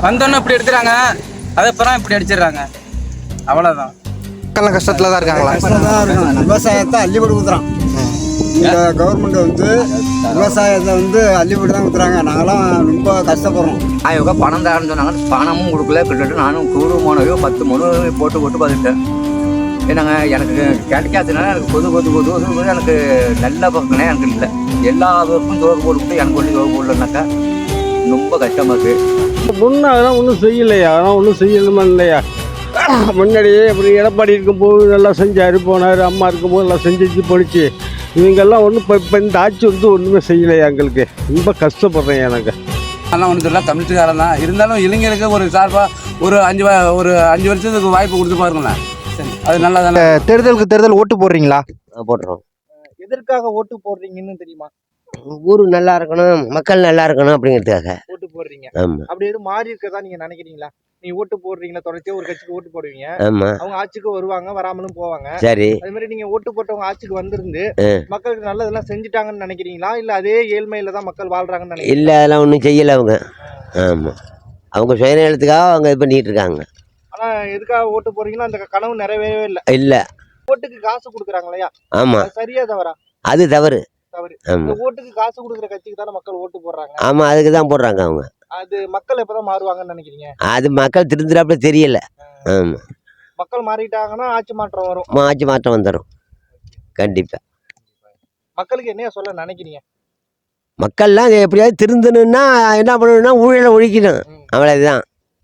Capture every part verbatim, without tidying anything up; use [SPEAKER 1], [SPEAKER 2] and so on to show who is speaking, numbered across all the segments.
[SPEAKER 1] வந்தோன்னு இப்படி எடுத்துறாங்க, அதுக்கப்புறம் இப்படி அடிச்சிடுறாங்க, அவ்வளோதான்.
[SPEAKER 2] மக்கள் கஷ்டத்தில் தான் இருக்காங்களா?
[SPEAKER 3] கஷ்டம் தான் இருக்கும். விவசாயத்தை அள்ளிப்படி ஊற்றுறான் இந்த கவர்மெண்ட் வந்து. விவசாயத்தை வந்து அள்ளிப்படி தான் ஊற்றுறாங்க. நாங்களாம் ரொம்ப கஷ்டப்படுறோம்.
[SPEAKER 4] ஆயிரம் பணம் தரேன்னு சொன்னாங்க, பணமும் கொடுக்கல. கிட்டத்தட்ட நானும் கூடு மூணு பத்து மூணு போட்டு போட்டு பார்த்துட்டேன். ஏன்னாங்க எனக்கு கிடைக்காதுனால எனக்கு கொது கொது கொது கொது எனக்கு நல்ல பக்கம்னே எனக்கு இல்லை. எல்லா பக்கமும் துவக்க போட்டு எனக்கு ஒன்று துவக்க போடலனாக்கா ரொம்ப கஷ்டமாக இருக்குது.
[SPEAKER 5] முன்ன அதெல்லாம் ஒன்றும் செய்யலையா, அதெல்லாம் ஒன்றும் செய்யணுமா இல்லையா? முன்னாடியே இப்படி எடப்பாடி இருக்கும்போது நல்லா செஞ்சார், போனார். அம்மா இருக்கும்போது நல்லா செஞ்சு போயிடுச்சு. இவங்கெல்லாம் ஒன்றும் இப்போ இப்போ இந்த ஆட்சி வந்து ஒன்றுமே செய்யலையா எங்களுக்கு. ரொம்ப கஷ்டப்படுறேன் எனக்கு.
[SPEAKER 1] அதெல்லாம் ஒன்றும் தெரியல, தமிழ்காரன் தான். இருந்தாலும் இளைஞருக்கு ஒரு சார்பாக ஒரு அஞ்சு ஒரு அஞ்சு வருஷத்துக்கு வாய்ப்பு கொடுத்து பாருங்களேன், அது நல்லா தானே.
[SPEAKER 2] தேர்தலுக்கு தேர்தல் ஓட்டு போடுறீங்களா?
[SPEAKER 6] போட்டுறோம்.
[SPEAKER 2] எதற்காக ஓட்டு போடுறீங்கன்னு தெரியுமா?
[SPEAKER 6] ஊர் நல்லா இருக்கணும், மக்கள் நல்லா இருக்கணும் அப்படிங்கிறதுக்காக
[SPEAKER 2] ஓட்டு போடுறீங்க.
[SPEAKER 6] ஆமா.
[SPEAKER 2] அப்படி எதுவும் மாறி இருக்கதா நீங்க நினைக்கிறீங்களா? நீங்க ஓட்டு போடுறீங்களா? தொடர்ச்சியா ஒரு கட்சிக்கு ஓட்டு போடுவீங்க,
[SPEAKER 6] ஆமா.
[SPEAKER 2] அவங்க ஆட்சிக்கு வருவாங்க, வராமலும் போவாங்க.
[SPEAKER 6] சரி.
[SPEAKER 2] அதே மாதிரி நீங்க ஓட்டு போட்டவங்க ஆட்சிக்கு வந்திருந்து மக்களுக்கு நல்லதெல்லாம் செஞ்சுட்டாங்கன்னு நினைக்கிறீங்களா, இல்ல அதே ஏழ்மையில தான் மக்கள் வாழ்றாங்கன்னு நினைக்கிறீங்களா?
[SPEAKER 6] இல்ல, அதெல்லாம் ஒன்றும் செய்யலை அவங்க. ஆமா, அவங்க சுயநலத்துக்காக அவங்க இது பண்ணிட்டு இருக்காங்க.
[SPEAKER 2] ஆனா எதுக்காக ஓட்டு போறீங்களோ அந்த கனவு நிறைவேறவே இல்லை.
[SPEAKER 6] இல்ல,
[SPEAKER 2] ஓட்டுக்கு காசு கொடுக்குறாங்க இல்லையா?
[SPEAKER 6] ஆமா,
[SPEAKER 2] அது சரியா தவறா?
[SPEAKER 6] அது தவறு.
[SPEAKER 2] தவறு.
[SPEAKER 6] ஆமா,
[SPEAKER 2] இந்த ஓட்டுக்கு காசு கொடுக்குற கட்சிக்கு தானே மக்கள் ஓட்டு போடுறாங்க.
[SPEAKER 6] ஆமா, அதுக்கு தான் போடுறாங்க அவங்க.
[SPEAKER 2] அது மக்கள் எப்பதான் மாறுவாங்கன்னு நினைக்கிறீங்க?
[SPEAKER 6] அது மக்கள் திருந்துறாப்புல தெரியல. ஆமா,
[SPEAKER 2] மக்கள் மாறிட்டாங்கன்னா ஆட்சி மாற்றம் வரும்.
[SPEAKER 6] ஆட்சி மாற்றம் வந்துடும் கண்டிப்பா.
[SPEAKER 2] மக்களுக்கு என்ன சொல்ல நினைக்கிறீங்க?
[SPEAKER 6] மக்கள்லாம் எப்படியாவது திருந்தணும்னா என்ன பண்ணணும்னா ஊழலை ஒழிக்கணும், அவ்வளவுதான்.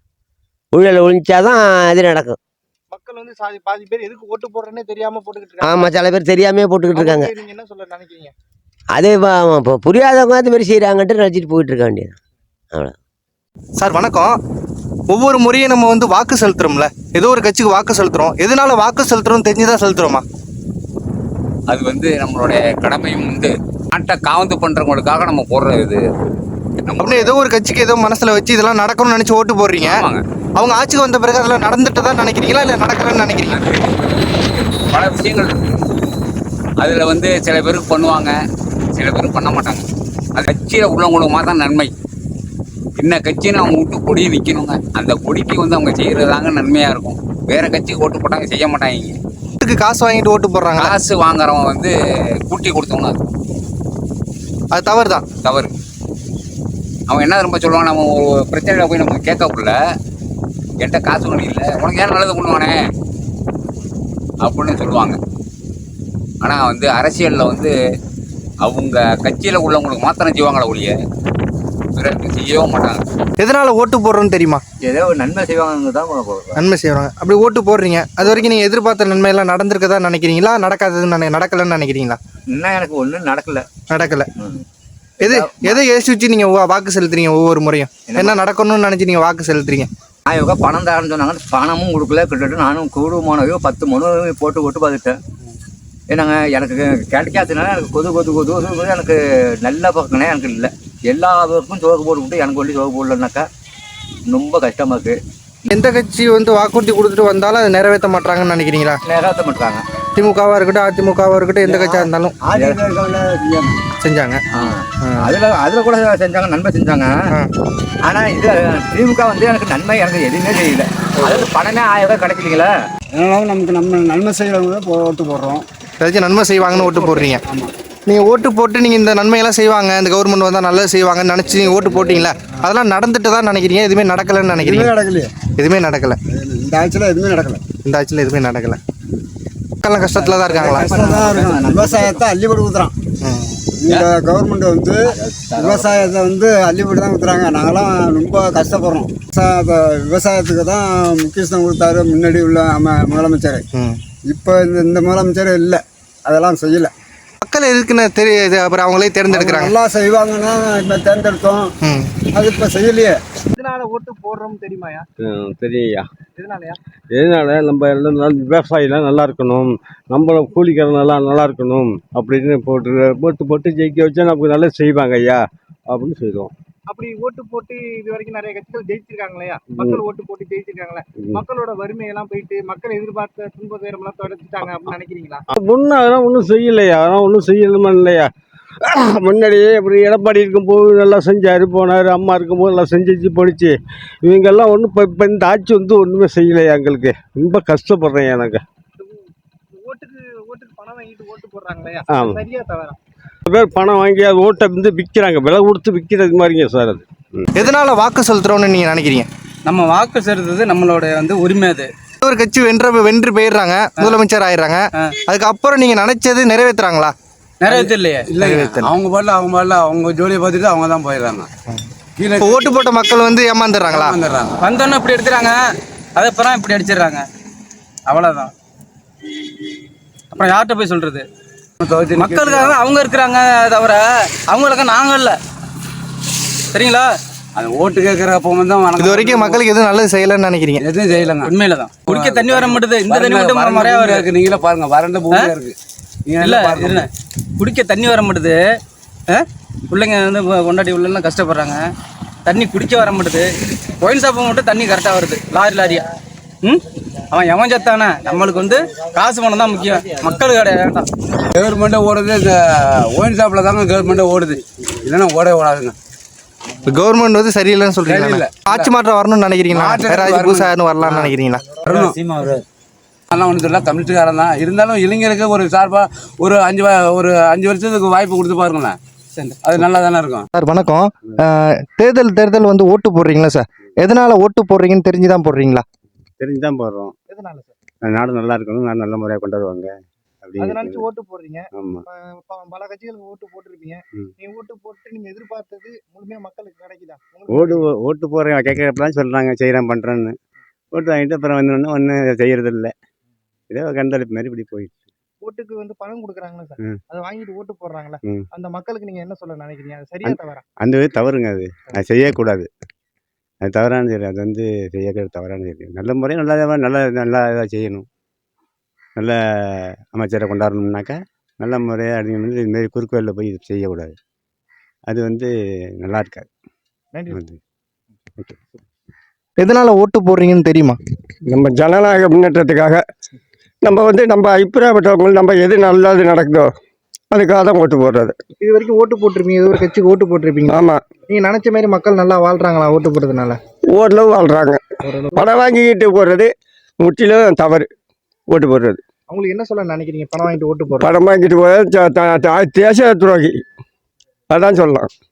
[SPEAKER 6] ஊழலை ஒழிச்சாதான் அது நடக்கும்.
[SPEAKER 2] மக்கள் வந்து சாதி பாதி பேர் எதுக்கு ஓட்டு போடுறேன்னே தெரியாம போட்டுக்கிட்டு இருக்காங்க.
[SPEAKER 6] ஆமா, சில பேர் தெரியாமே போட்டுக்கிட்டு இருக்காங்க.
[SPEAKER 2] அவங்களுக்கு நீங்க என்ன சொல்ல நினைக்கிறீங்க?
[SPEAKER 6] அதே இப்போ புரியாதவங்க அது மாதிரி செய்கிறாங்கன்ட்டு நினச்சிட்டு போயிட்டு இருக்க வேண்டியது. அவ்வளோ.
[SPEAKER 2] சார் வணக்கம். ஒவ்வொரு முறையும் நம்ம வந்து வாக்கு செலுத்துறோம்ல, ஏதோ ஒரு கட்சிக்கு வாக்கு செலுத்துறோம். எதனால வாக்கு செலுத்துறோம் தெரிஞ்சுதான் செலுத்துறோமா?
[SPEAKER 7] அது வந்து நம்மளுடைய கடமையும் வந்து நாட்டை காவந்து பண்றவங்களுக்காக நம்ம போடுறது. இது
[SPEAKER 2] அப்படின்னு ஏதோ ஒரு கட்சிக்கு ஏதோ மனசுல வச்சு இதெல்லாம் நடக்கணும்னு நினைச்சு ஓட்டு போடுறீங்க. அவங்க ஆட்சிக்கு வந்த பிறகு அதெல்லாம் நடந்துட்டு தான் நினைக்கிறீங்களா, இல்லை நடக்கலன்னு நினைக்கிறீங்க?
[SPEAKER 7] பல விஷயங்கள் இருக்கு. அதுல வந்து சில பேருக்கு பண்ணுவாங்க, சில பேருக்கு பண்ண மாட்டாங்க. அது கட்சியில உள்ளவங்களுக்கு மாத்தான் நன்மை. என்ன கட்சின்னு அவங்க விட்டு கொடி நிற்கணுங்க, அந்த கொடிக்கு வந்து அவங்க செய்யறதாங்க நன்மையா இருக்கும். வேற கட்சிக்கு ஓட்டு போட்டாங்க செய்ய மாட்டாங்க.
[SPEAKER 2] காசு வாங்கிட்டு ஓட்டு போடுறாங்க.
[SPEAKER 7] காசு வாங்குறவங்க வந்து கூட்டி கொடுத்தவங்க,
[SPEAKER 2] அது தவறு தான்.
[SPEAKER 7] தவறு. அவன் என்ன ரொம்ப சொல்லுவான், நம்ம ஒரு பிரச்சனையில போய் நம்ம கேட்கக்குள்ள என்கிட்ட காசு ஒன்றும் இல்லை, உனக்கு ஏன் நல்லது பண்ணுவானே அப்படின்னு சொல்லுவாங்க. ஆனால் வந்து அரசியலில் வந்து அவங்க கட்சியில் உள்ளவங்களுக்கு மாத்திரம் செய்வாங்களே ஒழிய பிறருக்கு செய்யவே மாட்டாங்க.
[SPEAKER 2] எதனால ஓட்டு போடுறோன்னு தெரியுமா?
[SPEAKER 4] ஏதோ ஒரு நன்மை செய்வாங்க தான் போடுறோம்.
[SPEAKER 2] நன்மை செய்வாங்க. அப்படி ஓட்டு போடுறீங்க, அது வரைக்கும் நீங்கள் எதிர்பார்த்த நன்மை எல்லாம் நடந்திருக்கதா நினைக்கிறீங்களா, நடக்காததுன்னு நடக்கலன்னு நினைக்கிறீங்களா?
[SPEAKER 4] இன்னும் எனக்கு ஒன்றும் நடக்கல.
[SPEAKER 2] நடக்கல. எது எதை யோசிச்சு நீங்க வாக்கு செலுத்துறீங்க? ஒவ்வொரு முறையும் என்ன நடக்கணும்னு நினைச்சு நீங்க வாக்கு செலுத்துறீங்க?
[SPEAKER 4] ஆயிரம் பணம் தரேன்னு சொன்னாங்க, பணமும் கொடுக்கல. கிட்டத்தட்ட நானும் கூடு மூணு பத்து மூணு போட்டு போட்டு பார்த்துட்டேன். ஏன்னாங்க எனக்கு கிடைக்காததுனால எனக்கு கொது கொது கொது கொது எனக்கு நல்ல பக்கம்னே எனக்கு இல்லை. எல்லா பக்கமும் துவக்க போட்டு விட்டு எனக்கு ஒன்றி துவக்க போடலனாக்கா ரொம்ப கஷ்டமாக இருக்குது.
[SPEAKER 2] எந்த கட்சி வந்து வாக்குறுதி கொடுத்துட்டு வந்தாலும் அதை நிறைவேற்ற மாட்டாங்கன்னு நினைக்கிறீங்களா?
[SPEAKER 4] நிறைவேற்ற மாட்டாங்க.
[SPEAKER 2] திமுகவா இருக்கட்டும், அதிமுகவா இருக்கட்டும், எந்த கட்சியாக இருந்தாலும் செஞ்சாங்க.
[SPEAKER 4] அதில் அதில் கூட செஞ்சாங்க, நன்மை செஞ்சாங்க. ஆனால் இது திமுக வந்து எனக்கு நன்மை எனக்கு எதுவுமே தெரியல. அதாவது பணமே ஆயிரம் ரூபாய் கிடைக்கலீங்களா?
[SPEAKER 3] அதனால நமக்கு நம்ம நன்மை செய்கிறவங்க தான் ஓட்டு போடுறோம்.
[SPEAKER 2] ஏதாச்சும் நன்மை செய்வாங்கன்னு ஓட்டு போடுறீங்க. நீங்கள் ஓட்டு போட்டு நீங்கள் இந்த நன்மையெல்லாம் செய்வாங்க, இந்த கவர்மெண்ட் வந்தால் நல்லது செய்வாங்கன்னு நினச்சி நீங்கள் ஓட்டு போட்டிங்களா? அதெல்லாம் நடந்துட்டு தான் நினைக்கிறீங்க, எதுவுமே நடக்கலைன்னு நினைக்கிறீங்க?
[SPEAKER 3] நடக்கலையே,
[SPEAKER 2] எதுவுமே நடக்கலை.
[SPEAKER 3] இந்த ஆட்சியில் எதுவுமே நடக்கலை.
[SPEAKER 2] இந்த ஆட்சியில் எதுவுமே நடக்கலை. மக்கள்லாம் கஷ்டத்தில் தான் இருக்காங்களா?
[SPEAKER 3] கஷ்டம் தான் இருக்கும். விவசாயத்தை அள்ளிப்படி ஊற்றுறான் இந்த கவர்மெண்ட் வந்து. விவசாயத்தை வந்து அள்ளிப்படி தான் ஊற்றுறாங்க. நாங்களாம் ரொம்ப கஷ்டப்படுறோம். விவசாயத்தை விவசாயத்துக்கு தான் முக்கியத்துவம் கொடுத்தாரு முன்னாடி உள்ள அம முதலமைச்சர். இப்போ இந்த இந்த முதலமைச்சர் இல்லை, அதெல்லாம் செய்யலை.
[SPEAKER 2] மக்கள் எதுக்குன்னு தெரியுது, அப்புறம் அவங்களே தேர்ந்தெடுக்கிறாங்க.
[SPEAKER 3] நல்லா செய்வாங்கன்னா இப்போ தேர்ந்தெடுத்தோம், அது இப்போ செய்யலையே.
[SPEAKER 2] எதனால ஓட்டு போடுறோம்னு தெரியுமாயா?
[SPEAKER 5] தெரியா.
[SPEAKER 2] எதனாலயா?
[SPEAKER 5] எதனால நம்ம எல்லாம் நல்ல விவசாயிலாம் நல்லா இருக்கணும், நம்மள கூலிக்காரன் நல்லா நல்லா இருக்கணும் அப்படின்னு போட்டு போட்டு போட்டு ஜெயிக்க வச்சா நமக்கு நல்லா செய்வாங்க ஐயா அப்படின்னு சொல்லுவோம்.
[SPEAKER 2] அப்படி ஓட்டு போட்டு இது வரைக்கும் நிறைய கட்சிகள் ஜெயிச்சிருக்காங்க இல்லையா? மக்கள் ஓட்டு போட்டு ஜெயிச்சிருக்காங்களே, மக்களோட வறுமையெல்லாம் போயிட்டு மக்கள் எதிர்பார்த்த துன்ப துயரமெல்லாம் தொடச்சிட்டாங்க அப்படின்னு நினைக்கிறீங்களா?
[SPEAKER 5] முன்ன அதெல்லாம் ஒன்றும் செய்யலையா, அதெல்லாம் ஒன்றும் செய்யணுமா இல்லையா? முன்னாடியே இப்படி எடப்பாடி இருக்கும்போது நல்லா செஞ்சார் போனார், அம்மா இருக்கும்போது நல்லா செஞ்சு போணுச்சு. இவங்கெல்லாம் ஒன்றும் இப்போ இப்போ இந்த ஆட்சி வந்து ஒன்றுமே செய்யலையா எங்களுக்கு. ரொம்ப கஷ்டப்படுறேன் எனக்கு.
[SPEAKER 2] ஓட்டுக்கு ஓட்டுக்கு பணம் வாங்கிட்டு ஓட்டு போடுறாங்களே,
[SPEAKER 5] ஆமாம்.
[SPEAKER 2] சரியா தவறா?
[SPEAKER 5] பேர் பணம் வாங்கி அது ஓட்டை வந்து விற்கிறாங்க, விலை கொடுத்து விற்கிறது மாதிரிங்க சார் அது.
[SPEAKER 2] எதனால வாக்கு செலுத்துறோம்னு நீங்க நினைக்கிறீங்க?
[SPEAKER 8] நம்ம வாக்கு செலுத்துறது நம்மளோட வந்து உரிமை. அது
[SPEAKER 2] ஒரு கட்சி வென்ற வென்று போயிடுறாங்க, முதலமைச்சர் ஆயிடுறாங்க, அதுக்கப்புறம் நீங்க நினைச்சது நிறைவேற்றுறாங்களா?
[SPEAKER 8] நிறைவேற்ற இல்லையே.
[SPEAKER 1] இல்லை, அவங்க பாடல அவங்க பாடல அவங்க ஜோலியை பார்த்துட்டு அவங்க தான் போயிடுறாங்க. கீழே
[SPEAKER 2] இப்போ ஓட்டு போட்ட மக்கள் வந்து ஏமாந்துடுறாங்களா?
[SPEAKER 1] வந்துடுறாங்க.
[SPEAKER 8] வந்தோன்னே இப்படி எடுத்துறாங்க, அதுக்கப்புறம் இப்படி அடிச்சிடுறாங்க, அவ்வளோதான். அப்புறம் யார்கிட்ட போய் சொல்றது? மக்களுக்காக அவங்க இருக்கிறாங்க தவிர அவங்களுக்கு நாங்கள் இல்லை. சரிங்களா?
[SPEAKER 1] அந்த ஓட்டு கேட்குற அப்போ வந்து
[SPEAKER 2] இது வரைக்கும் மக்களுக்கு எதுவும் நல்லது செய்யலைன்னு நினைக்கிறீங்க?
[SPEAKER 1] எதுவும் செய்யலைங்க.
[SPEAKER 8] உண்மையில தான் குடிக்க தண்ணி வர மாட்டுது. இந்த தண்ணி மட்டும் முறையா
[SPEAKER 1] வறண்ட
[SPEAKER 8] வருது.
[SPEAKER 1] நீங்களே பாருங்க, வறண்ட பூமியா இருக்கு. நீங்க
[SPEAKER 8] இல்லை
[SPEAKER 1] பாருங்க.
[SPEAKER 8] இல்லை, குடிக்க தண்ணி வர மாட்டுது. பிள்ளைங்க வந்து கொண்டாடி உள்ளெல்லாம் கஷ்டப்படுறாங்க. தண்ணி குடிக்க வர மாட்டுது. ஒயின் ஷாப்பை மட்டும் தண்ணி கரெக்டாக வருது, லாரி லாரியா. ம் அவன் எவன் சத்தானே, நம்மளுக்கு வந்து காசு பணம் தான் முக்கியம், மக்கள் கிடையாது. வேண்டாம்.
[SPEAKER 1] கவர்மெண்ட்டே ஓடுது, இந்த ஒயின் ஷாப்பில் தாங்க கவர்மெண்ட்டே ஓடுது, இல்லைன்னா ஓடவே ஓடாதுங்க.
[SPEAKER 2] இப்போ கவர்மெண்ட் வந்து சரியில்லைன்னு சொல்றீங்களா?
[SPEAKER 1] சரியில்லை.
[SPEAKER 2] ஆட்சி மாற்றம் வரணும்னு நினைக்கிறீங்களா?
[SPEAKER 1] மாற்றம்
[SPEAKER 2] வேற ஆட்சி
[SPEAKER 1] வரணும்.
[SPEAKER 2] புதுசாக யாரும் வரலாம்னு நினைக்கிறீங்களா?
[SPEAKER 1] ஆனால் ஒன்றும் தெரியல, தமிழ்காரன் தான். இருந்தாலும் இளைஞருக்கு ஒரு சார்பாக ஒரு அஞ்சு வ- ஒரு அஞ்சு வருஷத்துக்கு வாய்ப்பு கொடுத்து பாருங்களேன், அது நல்லா தானே இருக்கும்.
[SPEAKER 2] சார் வணக்கம். அஹ், தேர்தல் தேர்தல் வந்து ஓட்டு போடுறீங்களா சார்? எதனால ஓட்டு போடுறீங்கன்னு தெரிஞ்சு தான் போடுறீங்களா?
[SPEAKER 5] தெரிஞ்சு தான் போடுறோம்.
[SPEAKER 2] எதனால சார்?
[SPEAKER 5] நாடு நல்லா இருக்கணும், நாடு நல்ல முறையாக கொண்டு வருவாங்க
[SPEAKER 2] அதை நினைச்சு ஓட்டு போடுறீங்க.
[SPEAKER 5] ஆமாம்.
[SPEAKER 2] ப- பல கட்சிகளுக்கு ஓட்டு போட்டிருப்பீங்க.
[SPEAKER 5] ம்.
[SPEAKER 2] நீங்க ஓட்டு போட்டு நீங்க எதிர்பார்த்தது முழுமையா மக்களுக்கு கிடைக்குதா?
[SPEAKER 5] ஓடு ஓட்டு போகிறேன் கேட்கறப்பெல்லாம் சொல்கிறாங்க செய்கிறேன் பண்ணுறேன்னு. ஓட்டு வாங்கிட்டு அப்புறம் வந்தோடனே ஒன்றும் செய்கிறது இல்லை. இதே கண்டளிப்பு மாதிரி இப்படி போயிடுச்சு.
[SPEAKER 2] ஓட்டுக்கு வந்து பணம் கொடுக்குறாங்களா சார்?
[SPEAKER 5] ம்.
[SPEAKER 2] அதை வாங்கிட்டு ஓட்டு போடுறாங்களா?
[SPEAKER 5] ம்.
[SPEAKER 2] அந்த மக்களுக்கு நீங்க என்ன சொல்ல நினைக்கிறீங்க? அது சரியா தவறா?
[SPEAKER 5] அந்த இது தவறுங்க, அது அது செய்யக்கூடாது. அது தவறான செயல், அது வந்து செய்யக்கூடாது, தவறான செயல். நல்ல முறை நல்லா நல்லா நல்லா இதாக செய்யணும். நல்ல அமைச்சரை கொண்டாடணும்னாக்கா நல்ல முறையாக அடி வந்து இதுமாரி குறுக்கு வழியில் போய் இது செய்யக்கூடாது. அது வந்து நல்லா இருக்காது.
[SPEAKER 2] நன்றி.
[SPEAKER 5] வந்து
[SPEAKER 2] எதனால ஓட்டு போடுறீங்கன்னு தெரியுமா?
[SPEAKER 9] நம்ம ஜனநாயக முன்னேற்றத்துக்காக நம்ம வந்து நம்ம அபிப்பிராயப்பட்டவங்க நம்ம எது நல்லது நடக்குதோ அதுக்காக தான் ஓட்டு போடுறது.
[SPEAKER 2] இது வரைக்கும் ஓட்டு போட்டிருப்பீங்க, ஏதோ ஒரு கட்சிக்கு ஓட்டு போட்டிருப்பீங்க.
[SPEAKER 9] ஆமாம்.
[SPEAKER 2] நீங்க நினைச்ச மாதிரி மக்கள் நல்லா வாழ்றாங்களா ஓட்டு போடுறதுனால?
[SPEAKER 9] ஓரளவு வாழ்கிறாங்க. பணம் வாங்கிக்கிட்டு போடுறது முற்றிலும் தவறு. ஓட்டு போடுறது
[SPEAKER 2] அவங்களுக்கு என்ன சொல்ல நினைக்கிறீங்க? பணம் வாங்கிட்டு ஓட்டு போடுறது
[SPEAKER 9] பணம் வாங்கிட்டு போகிறது தேச துரோகி, அதான் சொல்லலாம்.